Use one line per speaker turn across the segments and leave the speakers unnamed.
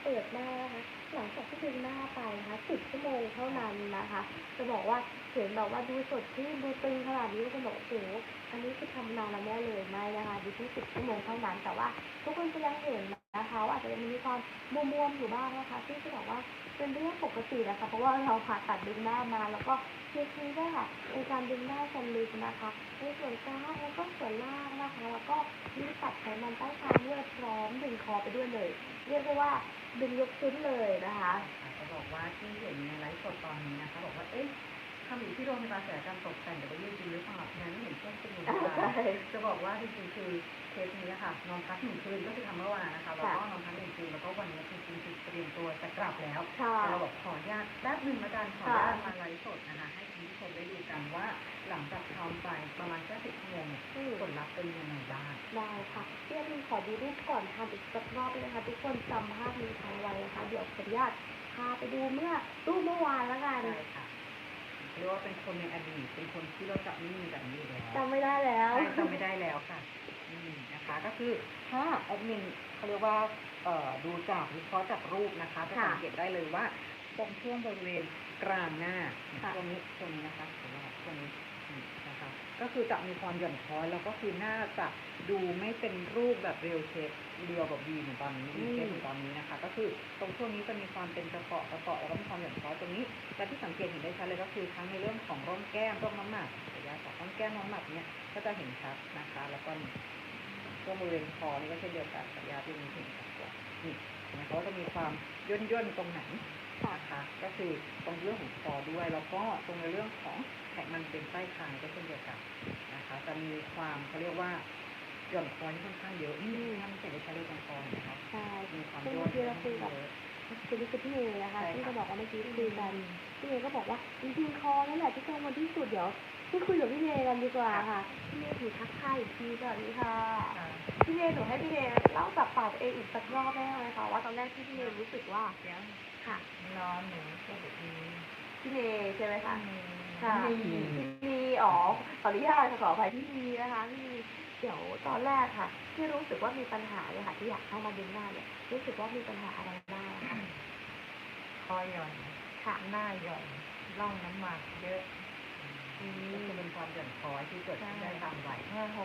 เปิดหน้านะคะหลังจากที่ดึงหน้าไปนะคะ10 ชั่วโมงเท่านั้นนะคะจะบอกว่าเห็นแบบว่าดูสดชื่นดูตึงขนาดนี้ก็บอกโอ้โหอันนี้คือทำนานแล้วแน่เลยไม่นะคะดูที่10 ชั่วโมงเท่านั้นแต่ว่าทุกคนจะยังเห็นนะคะว่าอาจจะยังมีความบวมๆอยู่บ้างนะคะที่จะบอกว่าเป็นเรื่องปกตินะคะเพราะว่าเราผ่าตัดดึงหน้ามาแล้วก็เทีด้วยค่ะในการดึงหน้าชั้นลึกนะคะในส่วนกลางแล้วก็ส่วนล่างนะคะแล้วก็มีตัดไขมันใต้คางด้วยพร้อมดึงคอไปด้วยเลยเรียกได้ว่าดึงยกชิ้นเลยนะคะ
จะบอกว่าที่เห็นในไลฟ์สดตอนนี้นะคะบอกว่าเอ๊ะทำอยู่ที่โรงพยาบาลศัลยกรรมตกแต่งแต่ว่ายืดจริงหรือเปล่านั้นเห็นช่วงเป็นอยู่จะบอกว่าจริงๆคือเคสนี้ค่ะนอนพัก1 คืนก็คือทำเมื่อวานนะคะแล้วก็นอนพัก1 คืนแล้วก็วันนี้จริงๆคือเตรียมตัวจะกลับแล้วแต่เราบอกขออนุญาตแป๊บนึงละกันขออนุญาตมาไลฟ์สดนะคะให้คุณผู้ชมได้ดูกันว่าหลังจากทำไปประมาณแค่10 ชั่วโมงผลลัพธ์เป็นยังไงบ้าง
ได้ค่ะพี่แอดมินขอดูรูปก่อนทำอีกสักรอบเลยนะคะทุกคนจำภาพนี้ทันไว้นะคะเดี๋ยวขออนุญาตพาไปดูรูปเมื่อวานแล้วกัน
ใช่ค่ะเรียกว่าเป็นคนในอดีตเป็นคนที่เราจะไม่มีแบบนี้แล้ว
จำไม่ได้แล้ว
จำไม่ได้แล้วค่ะนะคะก็คือถ้าแอดมินเขาเรียกว่าดูจากวิเคราะห์จากรูปนะคะจะสังเกตได้เลยว่าตรงช่วงบริเวณกลางหน้าตรงนี้นะคะตรงนี้นะคะก็คือจะมีความหย่อนคล้อยแล้วก็คือหน้าจะดูไม่เป็นรูปแบบเรียวเชฟเรียวแบบวีเหมือนตอนนี้วีเชฟเหมือนตอนนี้นะคะก็คือตรงช่วงนี้จะมีความเป็นกระเปาะแล้วก็มีความหย่อนคล้อยตรงนี้และที่สังเกตเห็นได้ชัดเลยก็คือทั้งในเรื่องของร่องแก้มร่องน้ำหนักระยะจากร่องแก้มร่องน้ำหนักเนี้ยก็จะเห็นชัดนะคะแล้วก็ช่วงบริเวณคอนี่ก็เช่นเดียวกันระยะที่มีเห็นชัดกว่านี่นะคะก็จะมีความย่นตรงไหนนะคะก็คือตรงเรื่องของคอด้วยแล้วก็ตรงในเรื่องของไขมันเป็นใต้คางก็เช่นเดียวกันนะคะจะมีความเขาเรียกว่าหย่อนคอที่ค่อนข้างเยอะทำเสร็จได้ใช้เลยตรงคอนะคะ
ใช่
มีความ
ย่นที่เราคุยกับคือพี่เมย์นะคะที่จะบอกว่าเมื่อกี้คุยกันพี่เมย์ก็บอกว่าจริงๆคอนั่นแหละที่กังวลที่สุดเดี๋ยวที่คุยกับพี่เมย์กันดีกว่าค่ะพี่เมย์ถือทักทายอีกทีสวัสดีค่ะพี่เมย์หนูให้พี่เมย์เล่าจากปากเองอีกสักรอบได้ไหมคะว่าตอนแรกที่พี่เมย์รู้สึกว่าค่ะ
นอนหนูก็แบบนี้
พี่เมย์ใช่ไหมคะค่ะพี่มีอ๋อขออนุญาตขออภัยพี่มีนะคะพี่มีเดี๋ยวตอนแรกค่ะที่รู้สึกว่ามีปัญหาเลยค่ะที่อยากเข้ามาดึงหน้าเนี่ยรู้สึกว่ามีปัญหาอะไรบ้างคะ
คอหย่อน
ค่ะ
หน้าหย่อนร่องน้ำหมากเยอะก็จะเป็นความหย่อนคอยที่เกิดขึ้นได้ตามวัย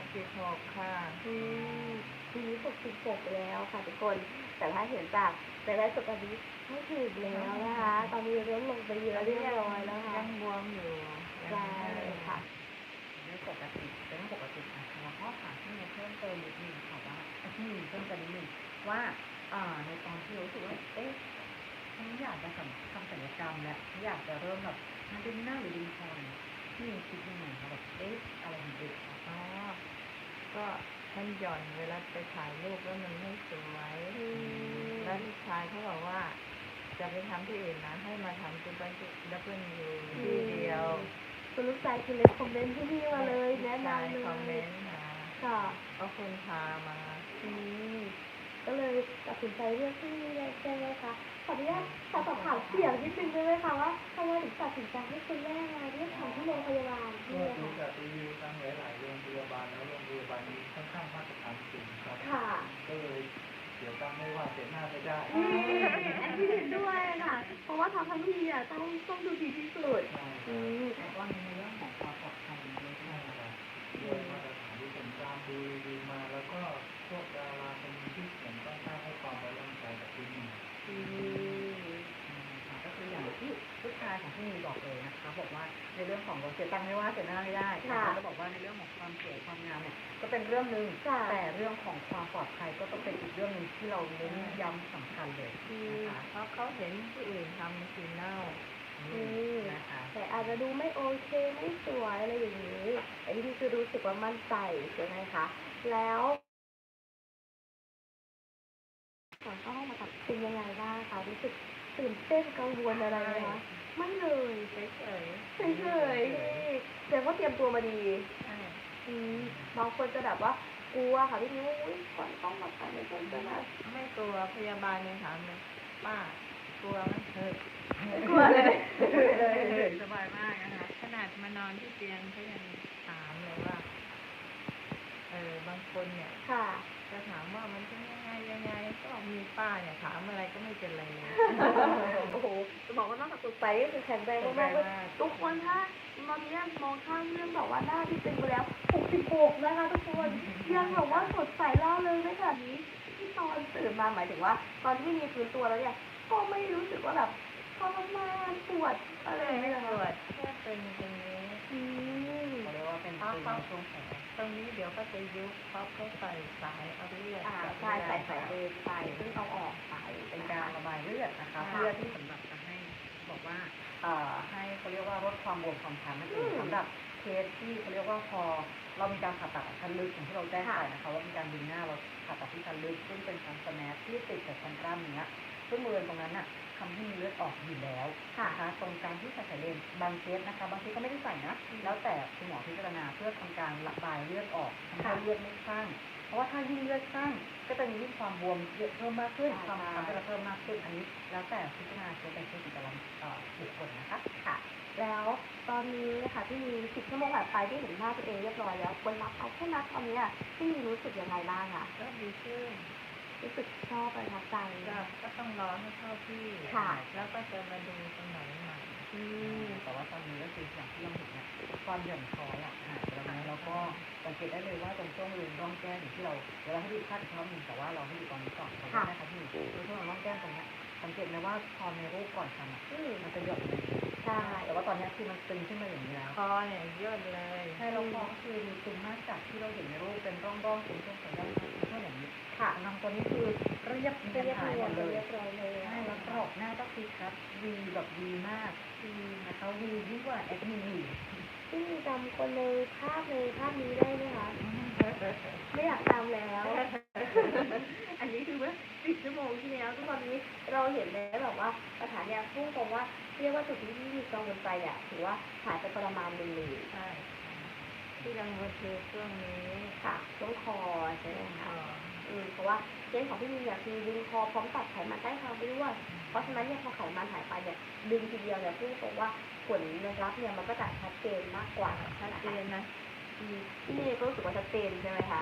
66ค่ะ
ทีนี้66แล้วค่ะทุกคนแต่ถ้าเห็นจากแต่ได้สุดตอนนี้ไม่ถึงแล้วนะคะตอนนี้ลดลงไปเยอะเรียบร้อยแล้วค่ะ
ยังบวมอยู่
ใช่ค่ะ
ไม่ปกติเป็นปกตินะคะแล้วก็ถามที่เพิ่มเติมนิดนึงค่ะว่าที่เพิ่มเติมนิดนึงว่าในตอนที่รู้สึกว่าเอ๊ะฉันอยากจะทำศัลยกรรมและอยากจะเริ่มแบบมันดึงหน้าหรือดึงคอที่มีคิดยังไงคะแบบเอ๊ะอะไรมันดึง
อ๋อก็มันหย่อนเวลาไปถ่ายรูปแล้วมันไม่สวยแล้วลูกชายเขาบอกว่าจะไปทำที่อื่นนะให้มาทำที่บ้านดับเบิลยูที่เดียว
คุณลูกชายคือเลยคอมเมนต์ที่นี่มาเลยแนะนำเลย
คอมเมนต์มา
ค่ะ
เอาคนพามา
ก็เลยตัดสินใจเลือกที่นี่เลยใช่ไหมคะขออนุญาตสอบถามเสียงนิดนึงได้ไหมคะว่าทำไมถึงตัดสินใจให้คุณแม่มาเลือกทำที่โรงพยาบาลที่
ก็
นี่
ดู
ค่ะ
จากรีวิวทางหลายๆโรงพยาบาลแล้วโรงพยาบาลนี้ค่อนข้างมาตรฐานสูงครับก็เลยเดี๋ยวตั้งไม่ว่าเสียหน้าไม่ได้
อันที่เห็นด้วยค่ะเพราะว่าทำทั้งทีอ่ะต้องดูดีที่สุด
แต่ว่าในเรื่องของความปลอดภัยด้วยใช่ไหมครับ
ด้วยมาตรฐานที่ผมตามดูรีวิวมาแล้วก็พวกดาราคนที่เขียนต้องการให้ความไว้วางใจกับที่นี่
ก็คืออย่างที่ลูกชายของพี่มีบอกเลยนะคะบอกว่าในเรื่องของเราเสียตังค์ไม่ว่าเสียหน้าไม่ได้นะคะจะบอกว่าในเรื่องของความสวยความงามเนี่ยก็เป็นเรื่องนึงแต่เรื่องของความปลอดภัยก็ต้องเป็นอีกเรื่องนึงที่เราเน้นย้ำสำคัญเลยนะคะ
เพราะเขาเห็นที่อื่นทำสีเน่า
นะคะแต่อาจจะดูไม่โอเคไม่สวยอะไรอย่างนี้แต่ที่นี่คือรู้สึกว่ามั่นใจใช่ไหมคะแล้วก่อนเข้าห้องผ่าตัดเป็นยังไงบ้างคะรู้สึกตื่นเต้นกังวลอะไรไหมคะไม่เลย
เฉย
ๆแต่ว่าเตรียมตัวมาดีบางคนจะแบบว่ากลัวค่ะพี่นิ้วก่อนต้องมาถ่ายในต้นจะ
ไม่กลัวพยาบาลยังถามเลยป้ากลัวไหม
กลัวเลย
สบายมากนะคะขนาดมานอนที่เตียงเขายังถามเลยว่าบางคนเนี่ย
ค่ะ
จะถามว่ามันเป็นยังไงก็มีป้าเนี่ยถามอะไรก็ไม่เป็นไรเลย
โอ้โหจะบอกว่านอกจากสดใสก็คือแข็งแรงมากๆเลยทุกคนถ้าตอนนี้มองข้ามเรื่องแบบว่าหน้าที่เป็นไปแล้ว66นะคะทุกคนยังแบบว่าสดใสล่าเริงได้ขนาดนี้ที่ตอนตื่นมาหมายถึงว่าตอนที่มีฟื้นตัวแล้วเนี่ยก็ไม่รู้สึกว่าแบบทรมานปวดอะไร
ไม่
ไม่
ป
เล
วย ดแค่เป็นตรงนี้
อืม
เขาเรียกว่าเป็นตึงในช่วงแผล
ตรงนี้เดี๋ยวก็จะยุบเพราะเขาใส่สายเอาเลือด
ใช่ใส่เบรนไปซึ่งเอาออกไป
เป็นการระบายเลือดนะคะ
ค่ะ
เพื่อที่สำหรับจะให้บอกว่าให้เขาเรียกว่าลดความบวมความช้ำนั่นเองสำหรับเคสที่เขาเรียกว่าพอเรามีการผ่าตัดชั้นลึกอย่างที่เราแจ้งไปนะคะว่ามีการดึงหน้าเราผ่าตัดที่ชั้นลึกซึ่งเป็นชั้นสแนปที่ติดกับชั้นกล้ามเนื้อซึ่งบริเวณตรงนั้นน่ะทำให้มีเลือดออกอยู่แล้วนะคะตรงการที่ใส่สายเลนบางเคสนะคะบางเคสก็ไม่ได้ใส่นะแล้วแต่คุณหมอพิจารณาเพื่อทำการระบายเลือดออกทำให้เลือดไม่ข้างเพราะว่าถ้ายิ่งเลือดข้างก็จะมียิ่งความบวมเยอะเพิ่มมากขึ้นความช้ำก็จะเพิ่มมากขึ้นอันนี้แล้วแต่พิจารณาเคสเป็นเคสแต่ละบุคคลนะคะ
ค่ะ แล้วตอนนี้ค่ะที่มี10 ชั่วโมงผ่านไปที่เห็นหน้าตัวเองเรียบร้อยแล้วคนรับเอาแค่นัดตอนนี้ที่มีรู้สึกยังไงบ้างคะ
ก็ดีขึ้น
รู้สึกชอบประทับใจ
ก็ต้องรอให้เข้าที่
ค่ะ
แล้วก็จะมาดูตรงไหนใหม่
แต่ว่าตอนนี้ก็คืออย่างที่เราเห็นเนี่ยความหย่อนคล้อยหายไปแล้วนะแล้วก็สังเกตได้เลยว่าตรงช่วงบริเวณร่องแก้มอย่างที่เราเดี๋ยวเราให้ดูภาพอีกรอบหนึงแต่ว่าเราให้ดูตอนนี้ก่อนขอโทษนะคะพี่ตรงช่วงร่องแก้มตรงเนี้ยสังเกตไหมว่าพอในรูปก่อนทำมันจะหย่อนลง
ใช่
แต่ว่าตอนนี้คือมันตึงขึ้นมาอย่างนี้แล้ว
คอเนี่ยย่นเลย
ใช่แล้วคอก็คือมีตึงมากจากที่เราเห็นในรูปเป็นร่องๆเป็นช่วงๆด้านช่วงอย่างนี้
ค่ะ
ทางตัวนี้คือเรียบ
เรียบ
หายหมดเลย
เรียบร้อยเลย
ใช่แล้วกรอบหน้าก็คือชัดวีแบบวีมากนะคะวียิ่งกว่าแอดมินอีก
ที่จำคนในภาพนี้ได้ไหมคะไม่อยากจำแล้ว อันนี้คือเมื่อ10 ชั่วโมงที่แล้วทุกวันนี้เราเห็นแล้วแบบว่าสถานเนี่ยพุ่งตรงว่าเรียกว่าจุดที่มีกังวลใจอ่ะถือว่าหายไปประมาณหนึงเลย
ใช่ที่กังวลคือช่วงนี้
ค่ะช่วงคอใช่ไหม
ค
คะ
อ
เพราะว่าเคสของพี่มีเนี่ยคือดึงคอพร้อมตัดไขมันใต้คางไปด้วย เพราะฉะนั้นเนี่ยพอไขมันหายไปเนี่ยดึงทีเดียวเนี่ยพูดตรงว่าผลลัพธ์เนี่ยมันก็จะชัดเจนมากกว่า
ชัดเจนนะ
พี่เมย์ก็รู้สึกว่าชัดเจนใช่ไหมคะ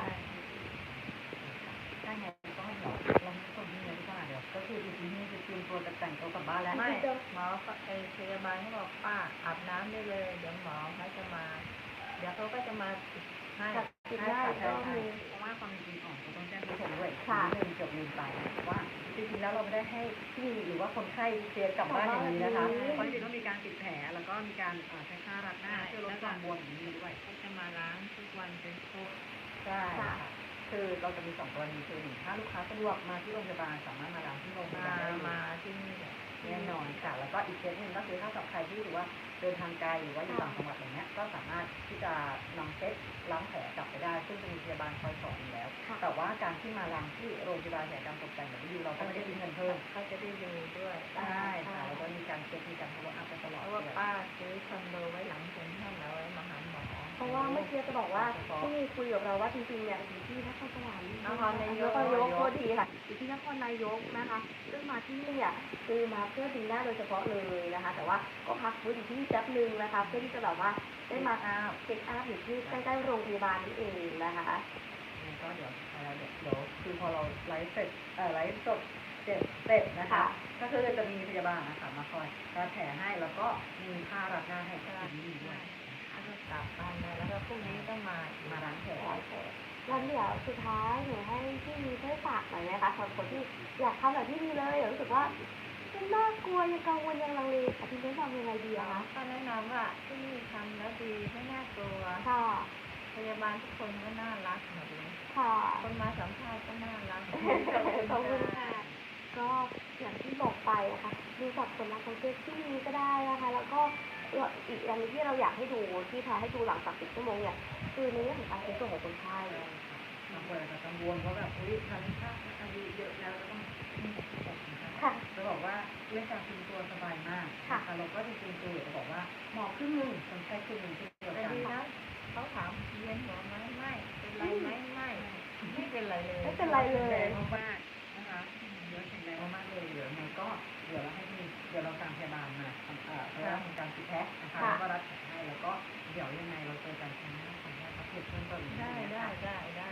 ถ้าไงก็เดี๋ยวเราไม่ต้องที่ไหนดีกว่าเดี๋ยวก็คือจริงๆนี่คือเตรียมตัวจะแต่งตัวกลับบ้านแล้ว
ไม่หมอพยาบาลเขาบอกป้าอาบน้ำได้เลย เดี๋ยวหมอเขาจะมา เดี๋ยวเขาก็จะมาให้
กับติด
ใช่
ได้
ค่ะ
ก็
ใช่
มี
เพราะว่าความจริงอ่อนก็ต้องแจ้งผู้ชมด้วย
ค่ะ
นิดนึงเกือบลืมไปว่าจริงๆแล้วเราไม่ได้ให้พี่หรือว่าคนไข้เคลียร์กลับบ้านอย่างนี้นะคะเพราะจริงๆต้องมีการติดแผลแล้วก็มีการใช้ผ้ารัดหน้าเพื่อลดความบวมอย่างนี้ด้วย
เขาจะมาล้างทุกวันเป็นครบ
ใช่ค่ะคือเราจะมี2 กรณีคือหนึ่งถ้าลูกค้าสะดวกมาที่โรงพยาบาลสามารถมาล้างที่โรงพยาบาลได้เลย
มาที่นี่แหละ
แน่นอนค่ะแล้วก็อีกเคสหนึ่งก็คือถ้ากับใครที่รู้ว่าเดินทางไกลหรือว่าอยู่ต่างจังหวัดอย่างเงี้ยก็สามารถที่จะนำเซ็ตล้างแผลกลับไปได้ซึ่งจะมีพยาบาลคอยสอนอยู่แล้ว แต่ว่าการที่มาล้างที่โรงพยาบาลศัลยกรรมตกแต่งแบบนี้เราก็ไม่ได้คิดเงินเพิ่ม
เขาจะได้ดูด้วย
ใช่ค่ะแล้วก็มีการเช็คมีการทำอัพไปตลอด
เพราะว่าป้าซื้อคอนโดไว้หลังเซ็นทรัลแล้วไว้มาหาหมอ
เพราะว่าเมื่อกี้จะบอกว่าที่มีคุยกับเราว่าจริงๆเนี่ยอยู่ที่นครสวรรค์
นครนายก
โทษทีค่ะอยู่ที่นครนายกนะคะซึ่งมาที่นี่เนี่ยคือมาเพื่อดึงหน้าโดยเฉพาะเลยนะคะ แต่ว่าก็พักฟื้นอยู่ที่นี่แป๊บนึงนะคะเพื่อที่จะแบบว่าได้มาเช็คอัพอยู่ที่ใกล้ๆโรงพยาบาลนี่เองนะคะ
ก็เดี๋ยวคือพอเราไลฟ์เสร็จไลฟ์สดเสร็จนะคะ ก็คือจะมีพยาบาลนะคะมาคอยรัดแผลให้แล้วก็มีผ้ารัดหน้าให้ก็ดีด้วย
แล้วก็กลับบ้านเลยแล้วก็พรุ่งนี้ต้องมา
มาล้างแผล
วันเดี๋ยวสุดท้ายหนูให้พี่มีช่วยฝากหน่อยนะคะสำหรับคนที่อยากทำแบบที่มีเลยรู้สึกว่ามันน่ากลัวยังกังวลยังลังเลค่ะพี่จะทำยังไงดีอะคะ
ก็แนะนำว่าที่นี่ทำแล้วดีไม่น่ากลัว
ค่ะ
พยาบาลทุกคนก็น่ารักหมดเลย
ค่ะ
คนมาสัมภาษณ์ก็น่ารัก
ขอบคุณค่ะ ก็อย่างที่บอกไปนะคะดูจากผลลัพธ์ของเคสที่นี้ก็ได้นะคะ แล้วก็อีกอย่างหนึงที่เราอยากให้ดูที่พาให้ดูหลังจาก10 ชั่วโมงเนี่ยคือในเรื่องของการเช็คตัวของคนไข้
บางคนอาจจะกังวลเพราะแบบอุ้ยทานข้าวอายุเยอะแล้วจะต้อง
ค่ะ
จะบอกว่าเรื่องการซึมตัวสบายมากเราก็จริงๆตัวจะบอกว่าหมอครึ่งนึงคนไข้ครึ่งนึงที่เดียว
แต่
กัน
ดีนะเขาถามเรียนหัวไหมไม่เป็นไรไหมไม่เป็นไรเลย
ไม่เป็นไรเลย
แรงมากๆนะคะเยอะแข็งแรงมากๆเลยเดี๋ยวมันก็เดี๋ยวเราให้ทีเดี๋ยวเราตามพยาบาลมาทำเพื่อทำการติดแพ็คนะคะแล้วก็รัดแผลให้แล้วก็เดี๋ยวยังไงเราเจอกันครั้งหน้าของแม่ครับเพื่อนเพิ่มเติม
ได้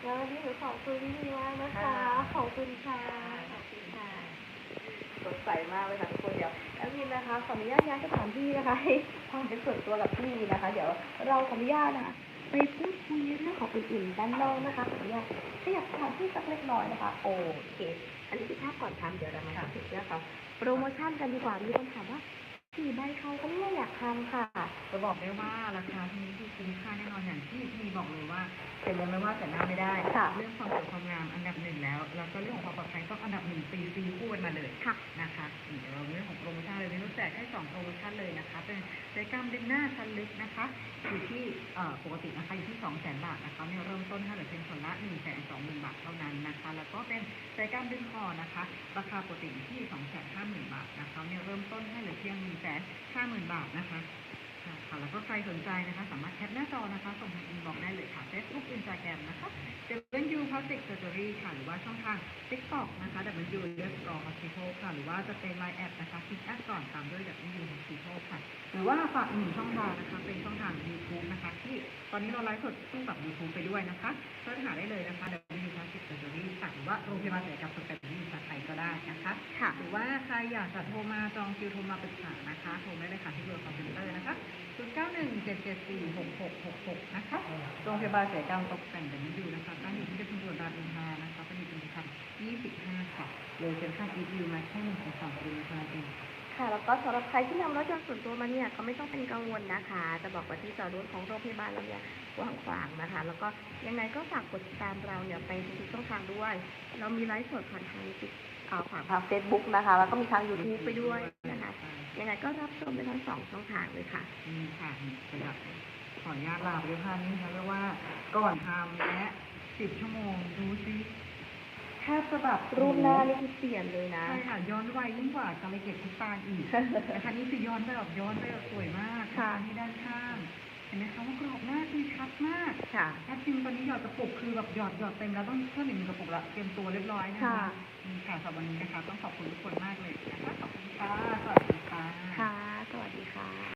แล้ววันนี้หนูขอบคุณพี่ดีมากนะคะ ขอบคุณค่ะ ขอบคุณค่ะ สดใสมากเลยค่ะทุกคนเดี๋ยวแอดมินนะคะขออนุญาตย้ายสถานที่นะคะให้ความเป็นส่วนตัวกับพี่นะคะ เดี๋ยวเราขออนุญาตนะคะไปพูดคุยเรื่องของอื่นๆด้านนอกนะคะขออนุญาตขยับสถานที่สักเล็กน้อยนะคะโอเค อันนี้คือภาพก่อนทำเดี๋ยวเรามาพูดถึงเรื่องของโปรโมชั่นกันดีกว่ามีคนถามว่า4 ใบเขาก็ไม่อยากทำค่ะ
จะบอกได้ว่าราคาที่นี้คือคุ้มค่าแน่นอนอย่างที่พี่บอกเลยว่าเสร็จแล้วไม่ว่าแต่หน้าไม่ได้
ค่ะ
เรื่องความสวยความงามอันดับหนึ่งแล้วก็เรื่องของความปลอดภัยต้องอันดับหนึ่งซีคู่กันมาเลย
ค่ะ
นะคะเดี๋ยวเราเรื่องของโปรโมชั่นเลยเราแจกให้2โปรโมชั่นเลยนะคะเป็นศัลยกรรมดึงหน้าชั้นลึกนะคะอยู่ที่ปกตินะคะอยู่ที่ 200,000 บาทนะคะเนี่ยเริ่มต้นให้เหลือเพียงคนละ 120,000 บาทเท่านั้นนะคะแล้วก็เป็นศัลยกรรมดึงคอนะคะราคาปกติอยู่ที่ 250,000 บาทนะคะเนี่ยเริ่มต้นให้เหลือเพียง 150,000 บาทนะคะค่ะแล้วก็ใครสนใจนะคะสามารถแคปหน้าจอนะคะส่งทางอินบ็อกซ์ได้เลยค่ะ Facebook Instagram นะคะ W Plastic Surgery ค่ะหรือว่าช่องทาง TikTok นะคะ W Underscore Hospital ค่ะหรือว่าจะเป็น Line แอดนะคะคลิกแอดก่อนตามด้วย W Hospital ค่ะหรือว่าฝากอีกหนึ่งช่องทางนะคะเป็นช่องทาง YouTube นะคะที่ตอนนี้เราไลฟ์สดคู่กับ YouTube ไปด้วยนะคะเสิร์ชหาได้เลยนะคะ W Plastic Surgery ค่ะหรือว่าโรงพยาบาลศัลยกรรมตกแต่งที่ภาษาไทยก็ได้นะคะ
ค่ะ
หรือว่าใครอยากจะโทรมาจองคิวโทรมาปรึกษานะคะโทรได้เลยค่ะที่เบอร์คอมพิวเตอร์นะคะ0917746666นะคะโรงพยาบาลศัลยกรรมตกแต่งแบบนี้อยู่นะคะตั้งอยู่ที่ชุมชนรามอินทรานะคะเป็นอยู่ตรงทาง25ค่ะเลยเซ็นทรัลอีทวิวมาแค่1-2 กิโลเท่านั้นเอง
ค่ะแล้วก็สำหรับใครที่นำรถยนต์ส่วนตัวมาเนี่ยก็ไม่ต้องเป็นกังวลนะคะ จะบอกว่าที่จอดรถของโรงพยาบาลเราเนี่ยกว้างขวางนะคะ แล้วก็ยังไงก็ฝากกดติดตามเราเนี่ยไปทุกช่องทางด้วย เรามีไลฟ์สดผ่านทางผ่านทาง Facebook นะคะ แล้วก็มีทาง YouTube ไปด้วยนะคะ ยังไงก็รับชมได้ทั้ง2 ช่องทางเลยค่ะ
ค่ะสำหรับขออนุญาตลาไปด้วยภาพนี้นะคะเรียกว่าก่อนทำและ10 ชั่วโมงดูซิแทบจะแบบ
รูปหน้านี่คือเปลี่ยนเลยนะ
ใช่ค่ะย้อนวัยยิ่งกว่าการไปเก็บทุกตาอีกนะคะนี่คือย้อนไปแบบสวยมาก
ค่ะ
นี่ด้านข้างเห็นไหมคะว่ากรอบหน้าคือชัดมาก
ค่ะ
แอดจิมตอนนี้หยอดกระปุกคือแบบหยอดเต็มแล้วต้องเพิ่มอีก1 กระปุกละเตรียมตัวเรียบร้อยนะคะ
ค่ะ
นี่ค่ะสำหรับวันนี้นะคะต้องขอบคุณทุกคนมากเลยนะคะขอบคุณค่ะสวัสดีค่ะ
ค่ะ สวัสดีค่ะ